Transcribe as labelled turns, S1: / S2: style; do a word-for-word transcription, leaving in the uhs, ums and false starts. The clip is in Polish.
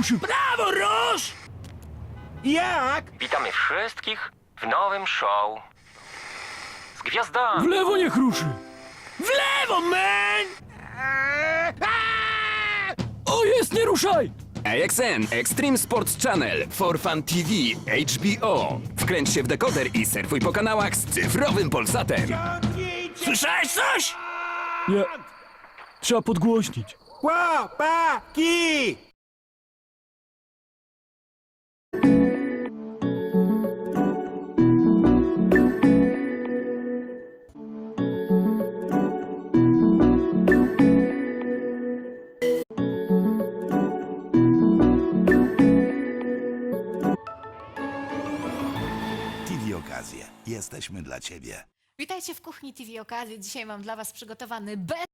S1: ruszył. Prawo, rusz!
S2: Jak?
S3: Witamy wszystkich w nowym show. Z
S1: W
S3: gwiazdami.
S1: lewo niech ruszy. W lewo, man! O, jest, nie ruszaj!
S4: A X N Extreme Sports Channel, For Fun T V, H B O. Wkręć się w dekoder i surfuj po kanałach z cyfrowym Polsatem.
S1: Słyszałeś coś? Nie. Trzeba podgłośnić.
S2: Chłopaki!
S5: T V Okazje. Jesteśmy dla Ciebie.
S6: Witajcie w kuchni T V Okazji. Dzisiaj mam dla Was przygotowany bez